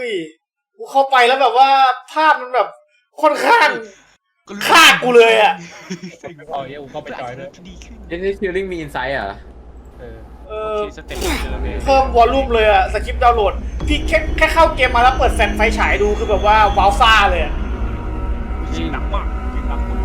ยกูเข้าไปแล้วแบบว่าภาพมันแบบค่อนข้างฆ่ากูเลยอ่ะเอาเยอะกูเข้าไปจอยด้วยนี่ฟิลลิ่งมีอินไซต์เหรอเออสเต็ปเลยเลยเพิ่มวอลลุ่มเลยอะสคริปต์ดาวน์โหลดพี่แค่เข้าเกมมาแล้วเปิดแฟลชไฟฉายดูคือแบบว่าว้าวซ่าเลยอะเสียงดังมากเสียงดังหมด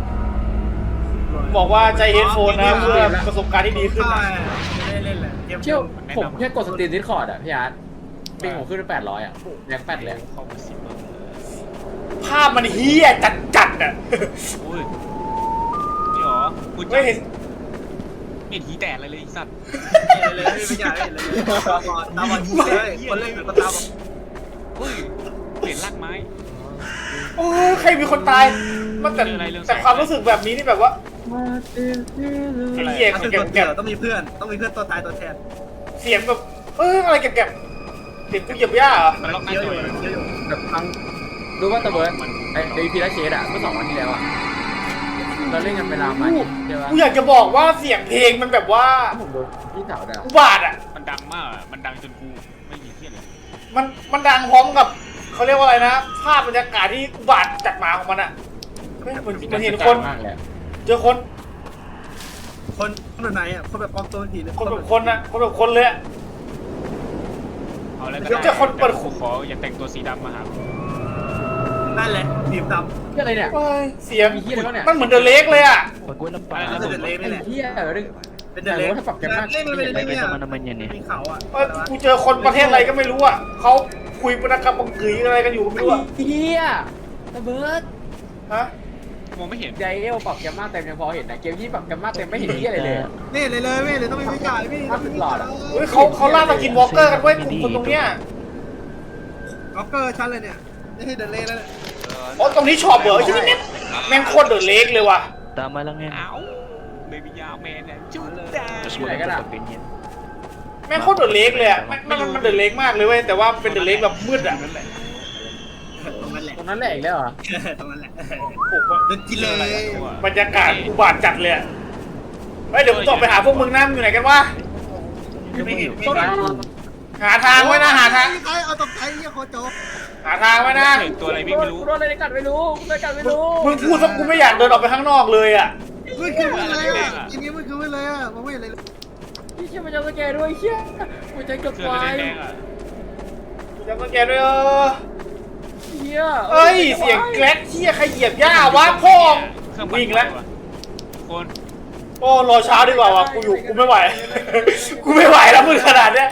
บอกว่าใจเฮดโฟนนะเพื่อประสบการณ์ที่ดีขึ้นใช่นะไม่ได้เล่นแหละเกมเชี่ยวผมแค่กดสตรีมดิสคอร์ดอ่ะพี่อาร์ตปิงผมขึ้นไป800อ่ะแรงแปดเลยเข้ามาสิบภาพมันเฮี้ยจัดอะโอ้ยนี่หรอคุณไม่เห็นเห็นหีแตกเลยไอ้สัตว์เลยไม่อยากเล่นเลยตาบอดเลยคนเล่นกับตาบอดเฮ้ยเปลี่ยนรากไม้โอ้ยใครมีคนตายมันแต่ความรู้สึกแบบนี้นี่แบบว่าไอ้เหี้ยคือแกตัวเกี่ยวต้องมีเพื่อนตัวตายตัวแทนเสียงแบบอะไรแกเสียงกูเหยียบหญ้าเหรอมันล็อกหน้าเยอะจออยู่เยอะอยู่แบบฟังรู้ว่าตะเบิร์ดไอ้พีระเชดอ่ะเมื่อ2 วันที่แล้วอ่ะเราเล่นกันเวลามาใช่ปะกูอยากจะบอกว่าเสียงเพลงมันแบบว่าผมโดนพี่สาวด่าอุบาทอ่ะมันดังมากอ่ะมันดังจนกูไม่มีเที่ยเลยมันดังพร้อมกับเขาเรียกว่าอะไรนะภาพบรรยากาศที่อุบาทจัดมาของมันอ่ะเฮ้ยเหมันเห็นคนมากเลยเจอคนคนแบบไหนอ่ะคนแบบปลอมตัวผีหรือคนแบบคนอะคนแบบคนเลยอะเอาแล้วเดี๋ยวเจอคนเปิดกูขออย่าแต่งตัวสีดำมาหานั่นแหละผีดเฮียอะไรเนี่ยเฮ้ยเสียงมีเหี้ยอะไรวะเนี่ยมันเหมือนเดอะเล็กเลยอะำน่าจะเล่นนี่แหละเฮียเรื่องเป็นเดเล่นถ้าปรับแกมมากเล่นมันเป็นเล่นเนี่ยมีเขาอ่ะกูเจอคนประเทศอะไรก็ไม่รู้อะเขาคุยปนกรรมบังกึยอะไรกันอยู่ไม่รู้อะเฮียตะเบิร์ดฮะมองไม่เห็นใจเอลปรับแกมมาเต็มยังพอเห็นนะเกมที่ปรับแกมมาเต็มไม่เห็นเฮียอะไรเลยนี่เลยไม่เลยต้องมีวิจัยพี่เฮ้ยเขาล่าสกินวอล์กเกอร์กันเว้ยกลุ่มคนตรงเนี้ยล็อกเกอร์ชั้นเลยเนี่ยนี่ให้เดเล่แล้วอ๋อตรงนี้ช็อปเหรอที่นี่แม่งโคตรเดอะเล็กเลยว่ะ Tama lang yan. เอ้าเบบี้ยาวแมนเนี่ยจุ๊บจ้า Mas Ay, maganda gana. pag ganyan. แม่งโคตรเดอะเล็กเลยอะมันเดอะเล็กมากเลยเว้ยแต่ว่าเป็นเดอะเล็กแบบมืดอะนั่นแหละตรงนั้นแหละตรงนั้นแหละอีกแล้วเหรอตรงนั้นแหละโอ้โหเดินกินเลยบรรยากาศอุบาทจัดเลยอะเฮ้ยเดี๋ยวผมต้องไปหาพวกมึงนะมึงอยู่ไหนกันวะไม่เห็นหาทางไว้นะหาทางใครเอาตกใจเฮียโคโจหาทางไว้นะเห็นตัวอะไรวิ่งไม่รู้กูโดนอะไรกัดไม่รู้กูโดนกัดไม่รู้มึงพูดซะกูไม่อยากเดินออกไปข้างนอกเลยอ่ะมันคืออะไรอ่ะทีนี้มันคืออะไรอ่ะมองไม่เห็นเลยพี่เชี่ยมันจะสแกนด้วยเชี่ยหัวใจเกือบเสื้อวายแดงๆอ่ะกูจะมาแกด้วยเฮียเอ้ยเสียงแกร็กเชี่ยใครเหยียบหญ้าวะพ่อเครื่องวิ่งแล้วคนโอ้รอเช้าดีกว่าวะกูอยู่กูไม่ไหว กูไม่ไหวแล้วมึงขนาดเนี้ย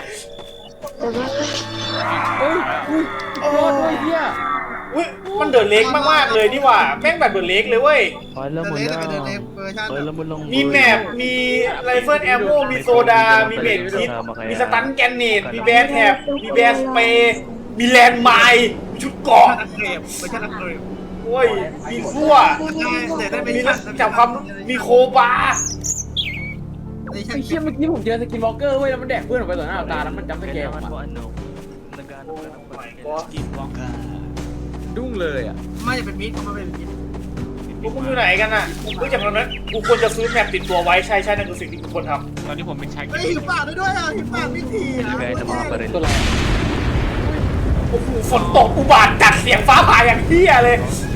เฮ้ยรอดด้วยเฮียอุ้ยมันเดือดเล็กมากๆเลยนี่หว่าแม่งแบบเดือดเล็กเลยเว้ย Alam mo เดิน lang. เดินเวอร์ชัน Alam mo lang. มีแมปมีไรเฟิลแอมโมมีโซดา มีเมดคิดมีสตันแกนเนตมีแบนแท็บมีแบนสเปย์มีแลนด์ไมล์มีชุดเกราะนักเกมเวอร์ชันนักเกมโอ้ยมีขั้วได้เป็นมีจับความมีโคบาในไอ้เชี่ยเมื่อกี้ผมเจอสกินวอล์กเกอร์เว้ยแล้วมันแดกเพื่อนออกไปต่อหน้าต่อตาแล้วมันจำสแกน Kailangan ออก mo มา ano. Nagano ka ng pagkakas. กินวองกาดุ้งเลยอ่ะไม่จะเป็นมิตรเขาไม่เป็นมิตรพวกมึงอยู่ไหนกันน่ะเฮ้ยจากนั้นกูควรจะซื้อแมปติดตัวไว้ใช่นั่นคือสิ่งที่กูควรทตอนนี้ผมเป็นชายเฮ้ยหิวปากด้วยอ่ะหิวปากไม่ทีอ่ะ Bigay ng mga baril. ตัวอะไรำโอ้โหฝนตกอุบาทจัดเสียงฟ้าผ่าอย่างเฮี้ยเลย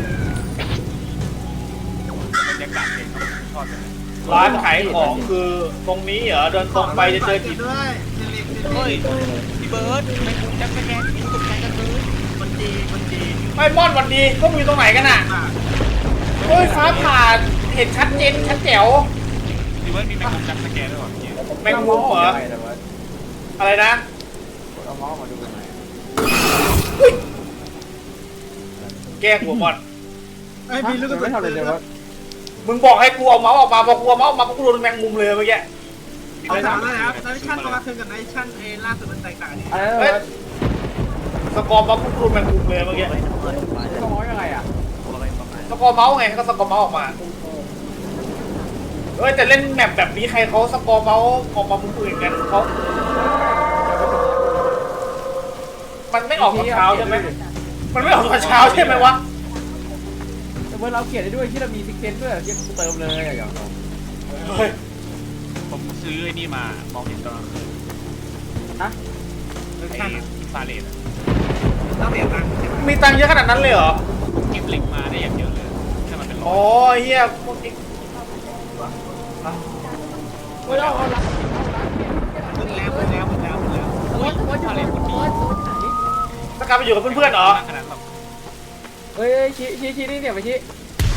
บรรยากาศเองชอบเลยร้านขายของคือตรงนี้เหรอเดินตรงไปจะเจอหินด้วยเฮ้ยพี่เบิร์ดไม่คุณจักสแกนพี่ตกใจกันเลยคนดีไอ้ม่อนวันดีพวกมึงอยู่ตรงไหนกันน่ะเฮ้ยฟ้าผ่าเห็นชัดเจนชัดแจ๋วพี่เบิร์ดมีแมงมุมจักสแกนด้วยเหรอพี่แมงมุมเหรออะไรนะเอาเมาส์มาดูกันหน่อยแกล้งหัวม่อนไอ้มีลูกกระสุไม่นทำอะไรเลยว่ามึงบอกให้กูเอาเมาส์ออกมาพอกูเอาเมาส์ออกมากูโดนแมงมุมเลยเมื่อกี้เอาถามเลยครับไนชั่นประมาณคืนกับไนชั่นล่าสุดมันแตกต่างกันอะไรเฮ้ยนะสกอร์เมาส์กูโดนแมงมุมเลยเมื่อกี้ต้องมองยังไงอ่ะสกอร์เมาส์ไงก็สกอร์เมาส์ออกมาเฮ้ยแต่เล่นแมปแบบนี้ใครเขาสกอร์เมาส์ออกมามุมอื่นกันเขามันไม่ออกตอนเช้าใช่ไหมมันไม่ออกตอนเช้าใช่ไหมวะแต่เมื่อเราเขียนได้ด้วยที่เรามีซิกเซนด้วยที่เติมเลยอย่างเราเฮ้ยผมซื้อไอ้นี่มามองเห็นตอนกลางคืนฮะไอ้อินฟราเรดอะตต้องเสียตังค์มีตังค์เยอะขนาดนั้นเลยเหรอเก็บเหล็กมาได้อย่างเยอะเลยถ้ามันเป็นร้อ๋ออย เฮียพวกนี้เฮ้ยเอาละหมดแล้วหมดแล้วหมดแล้วหมดแล้วอะไรคนนี้สกลับไปอยู่กับเพื่อนๆเหรอขนาดแบบเฮ้ยชี้นี่เนี่ยไปชี้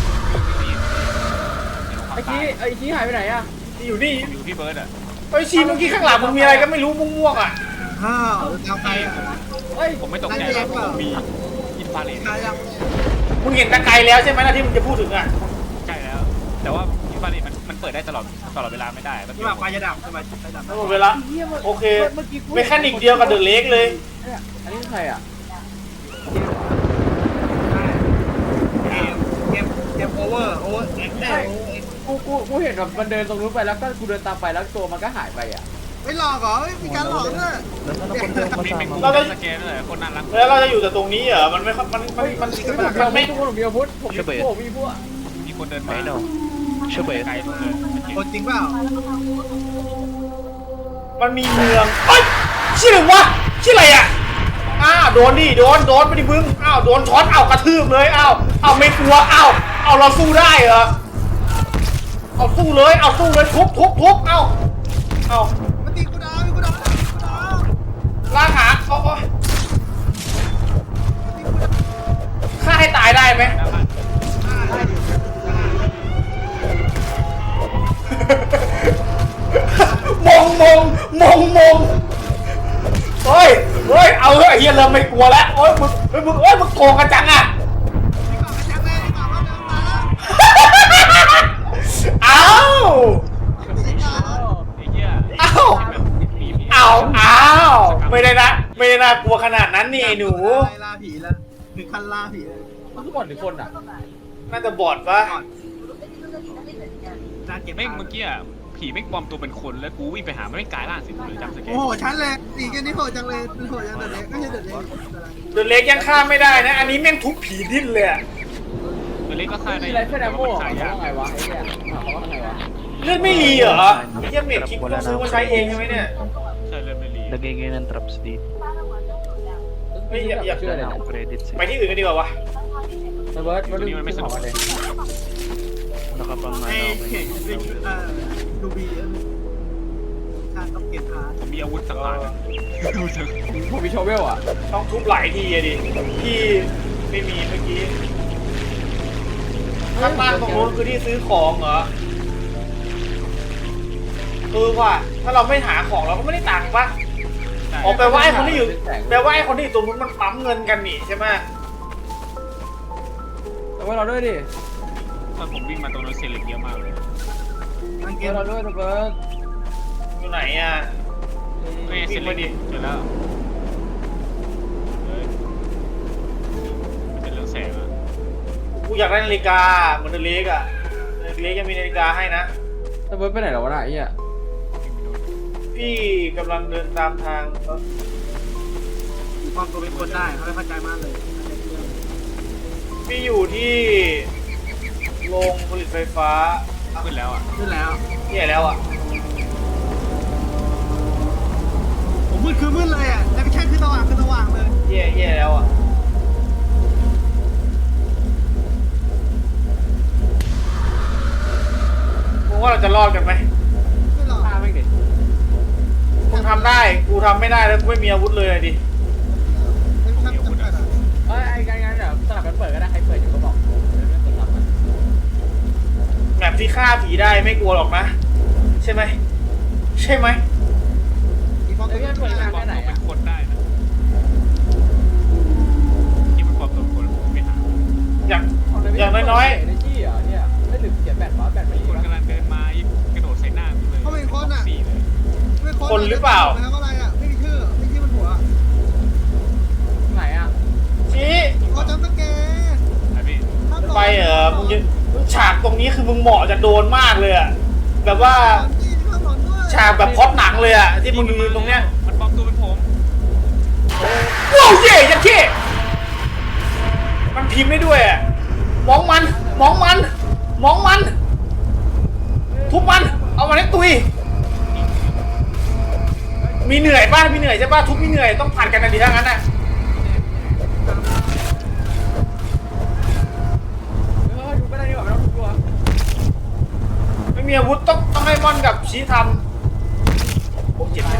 ไอ้ชี้หายไปไหนอะอยู่นี่อยู่พี่เบิร์ดอ่ะไอ้ชีเมื่อกี้ข้างหลังมึงมีอะไรก็ไม่รู้ม่วงๆอ่ะอ้าวเอาไปเฮ้ยผมไม่ตกใจหรอกผมมีอินฟราเรดตายยังมึงเห็นตะไคร้แล้วใช่ไหมนะที่มึงจะพูดถึงอ่ะใช่แล้ว แต่ว่าอินฟราเรดมันเปิดได้ตลอดเวลาไม่ได้แบบนี่แบบไฟจะดับใช่ไหมไฟดับหมดเวลาโอเคเมคานิกเดียวกับเดอะเล็กเลยอันนี้ใครอะเกมโอเวอร์เอ็กซ์กูเห็นแบบมันเดินตรงนู้นไปแล้วก็กูเดินตามไปแล้วตัวมันก็หายไปอะไม่หลอกเหรอมีการหลอกด้วยแล้วก็คนเดินมามีตามเป็นมาสแกนเลยคนน่ารักแล้วเราจะอยู่แต่ตรงนี้เหรอมันไม่มันไม่ทุกคนมีอาวุธผมมีพวกมีคนเดินมาไม่เนาะช่วยเบสไกลตรงเลยคนจริงเปล่ามันมีเมืองเอ้ยชื่ออะไรวะชื่ออะไรอ่ะโดนดิโดนไปดิมึงโดนช็อตกระทืบเลยไม่กลัวเอาเราสู้ได้เหรอเอาสู้เลยทุบเอามันตีกูดาวกูดาวล่างหาฆ่าให้ตายได้ไหม มงเฮ้ยเอาเฮ้ยเฮียเริ่มไม่กลัวแล้วมึงโกงกันจังอ่ะเอาไอ้เหี้ยไม่ได้น่ากลัวขนาดนั้นนี่ไอ้หนูล่าผีแล้วถึงขั้นล่าผีเลยมันทุกคนหรือคนอะน่าจะบอดปะน่าเก็บไม่เมื่อกี้ผีไม่ปลอมตัวเป็นคนแล้วกูวิ่งไปหาไม่กลายร่างสิเลยจำสแกนโอ้โหชั้นเลยสีกันนี่โหดจังเลยโหดจังเด็กไม่ใช่เด็กเดอะเล็กยังฆ่าไม่ได้นะอันนี้แม่งทุบผีดิ้นเลยอะตัวเล็กก็ฆ่าได้มีอะไรแค่แนแต่วว่าโม่มันเขาฆ่ายากว่าไงวะไอ้เนี่ยเขาว่าไงวะเลือดไม่รีเหรอเยี่ยมเมดคิดต้องซื้อมาใช้เองใช่ไหมเนี่ยใช่เลยไม่รี lagay ng traps dito ไม่อยากเชื่อเลย na นะ ako credits ไปที่อื่นกันดีกว่าวะเบิร์ดมันไม่สนุกเลย nakapang ไอ้ ano เข่งเป็นดูบีชาต้องเก็บพาผมมีอาวุธสังหารนะดูเถอะผมมีโชเวลอะต้องทุบหลายทีอะดิที่ไม่มีเมื่อกี้ข้างล่างตรงนู้นคือที่ซื้อของเหรอว่ะถ้าเราไม่หาของเราก็ไม่ได้ตังค์ปะอ๋อแปลว่าไอ้คนที่อยู่ตรงนู้นมันปั๊มเงินกันนี่ใช่ไหมเอาไว้เราด้วยดิตอนผมวิ่งมาตรงนั้นเซเลบเยอะมากเลยตั้งเกเอามเราด้วยเบิร์ดอยู่ไหนอ่ะไม่เซเลบเจอแล้วมันเป็นเรื่องแสงอะกูอยากได้นาฬิกาเหมือนเดอะเล็กอ่ะเดอะเล็กยังมีนาฬิกาให้นะเบิร์ดไปไหนแล้ววะน่ะไอ้เนี่ยพี่กำลังเดินตามทางความตัวเป็นคนได้เขาไม่เข้าใจมากเลยพี่อยู่ที่โรงผลิตไฟฟ้าขึ้นแล้วอ่ะขึ้นแล้วแย่แล้วอ่ะผมมืดคือมืดเลยอ่ะแต่ไม่ใช่คือสว่างเลยแย่แล้วอ่ะมึงว่าเราจะรอดกันไหมไม่หรอกฆ่าไม่งดิมึงทำได้กูทำไม่ได้แล้วกูไม่มีอาวุธเลยอะดิไม่ทำจำกัดอ่ะเอ้ยไอ้งั้นเดี๋ยวสลับกันเปิดก็ได้ใครเปิดอยู่ก็บอกไม่คนรับมันแมปที่ฆ่าผีได้ไม่กลัวหรอกนะ ใช่ไหมอีฟองตัวเอ้ยเปิดเป็นงานปลอแค่มไหนตัวเป็อะนคนได้นะที่มันปลอมตัวเป็นคนผมไม่หาอย่างน้อยเอเนจีเหรอเนี่ยไม่ลืมเขียนแบตวะแบตไม่ดีคนวะกำลังเดินมากระโดดใส่หน้ากูเลยสี่เลยแล้วก็อะไรอ่ะไม่มีชื่อไม่ชื่อมันหัวไหนอะๆชี้เขาจำสแกนไอ้พี่ไปมึงจะฉากตรงนี้คือมึงเหมาะจะโดนมากเลยอะแบบว่าฉากแบบพล็อตหนังเลยอะที่มึงยืนตรงเนี้ยมันปลอมตัวเป็นผมว้าวเย่ยัดเข้มันพิมพ์ได้ด้วยอะมองมันทุบมันเอามันให้ตุยมีเหนื่อยป่ะมีเหนื่อยใช่ป่ะทุบมีเหนื่อยต้องผ่านกันนะดีทั้งนั้นน่ะชี้ทันโอ้เจ็บ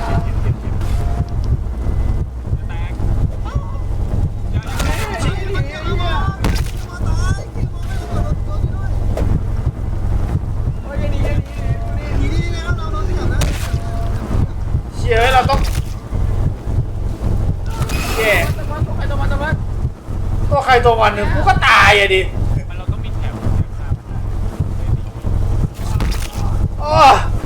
เชี่ยเราต้องแย่ตัวใครตัวมันหนึ่งกูก็ตายอะดิเราต้องมีแถวโอ้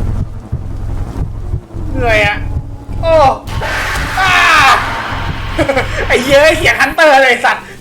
เหนื่อยอะโอ้อ้าไอ้เย้ยเสียงฮันเตอร์เลยสัตว์